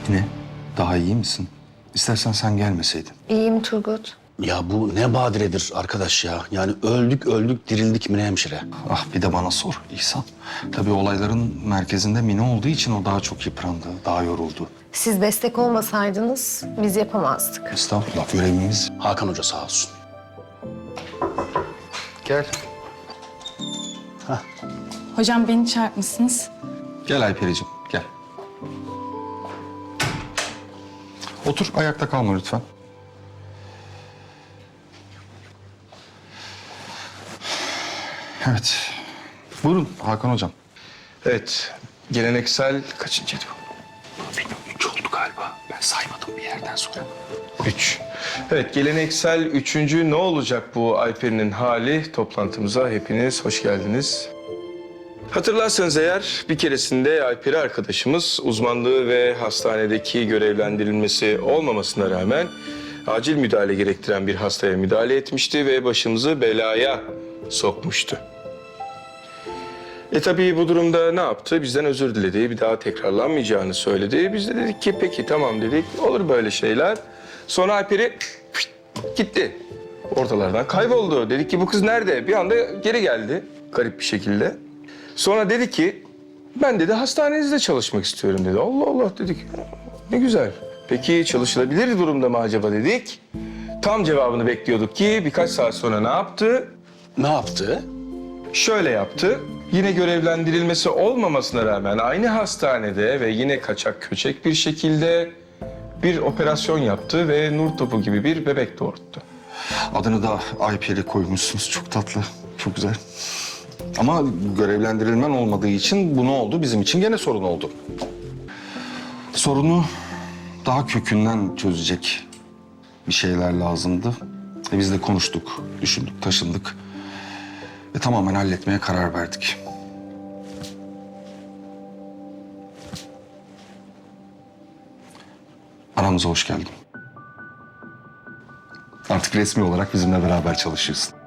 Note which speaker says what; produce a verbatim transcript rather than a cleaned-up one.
Speaker 1: Yine daha iyi misin? İstersen sen gelmeseydin.
Speaker 2: İyiyim Turgut.
Speaker 3: Ya bu ne badiredir arkadaş ya. Yani öldük öldük dirildik Mine hemşire.
Speaker 1: Ah bir de bana sor İhsan. Tabii olayların merkezinde Mine olduğu için o daha çok yıprandı, daha yoruldu.
Speaker 2: Siz destek olmasaydınız biz yapamazdık.
Speaker 1: Estağfurullah, görevimiz.
Speaker 3: Hakan Hoca sağ olsun.
Speaker 1: Gel.
Speaker 4: Hocam beni çağırtmışsınız.
Speaker 1: Gel Aypericiğim, gel. Otur, ayakta kalma lütfen. Evet. Buyurun Hakan Hocam.
Speaker 5: Evet, geleneksel kaçıncıydı bu? Bilmiyorum, üç oldu galiba. Ben saymadım bir yerden sonra. Üç. Evet, geleneksel üçüncü ne olacak bu Ayperi'nin hali? Toplantımıza hepiniz hoş geldiniz. Hatırlarsanız eğer bir keresinde Ayperi arkadaşımız uzmanlığı ve hastanedeki görevlendirilmesi olmamasına rağmen acil müdahale gerektiren bir hastaya müdahale etmişti ve başımızı belaya sokmuştu. E tabii bu durumda ne yaptı? Bizden özür diledi. Bir daha tekrarlanmayacağını söyledi. Biz de dedik ki peki tamam dedik. Olur böyle şeyler. Sonra Alper'i gitti. Ortalardan kayboldu. Dedik ki bu kız nerede? Bir anda geri geldi garip bir şekilde. Sonra dedi ki ben dedi hastanenizde çalışmak istiyorum dedi. Allah Allah dedik. Ne güzel. Peki çalışılabilir durumda mı acaba dedik. Tam cevabını bekliyorduk ki birkaç saat sonra ne yaptı?
Speaker 3: Ne yaptı?
Speaker 5: Şöyle yaptı. Yine görevlendirilmesi olmamasına rağmen aynı hastanede ve yine kaçak köçek bir şekilde bir operasyon yaptı ve nur topu gibi bir bebek doğurttu.
Speaker 1: Adını da Ayperi koymuşsunuz. Çok tatlı, çok güzel. Ama görevlendirilmen olmadığı için bu ne oldu? Bizim için gene sorun oldu. Sorunu daha kökünden çözecek bir şeyler lazımdı. E biz de konuştuk, düşündük, taşındık. Ve tamamen halletmeye karar verdik. Aramıza hoş geldin. Artık resmi olarak bizimle beraber çalışıyorsun.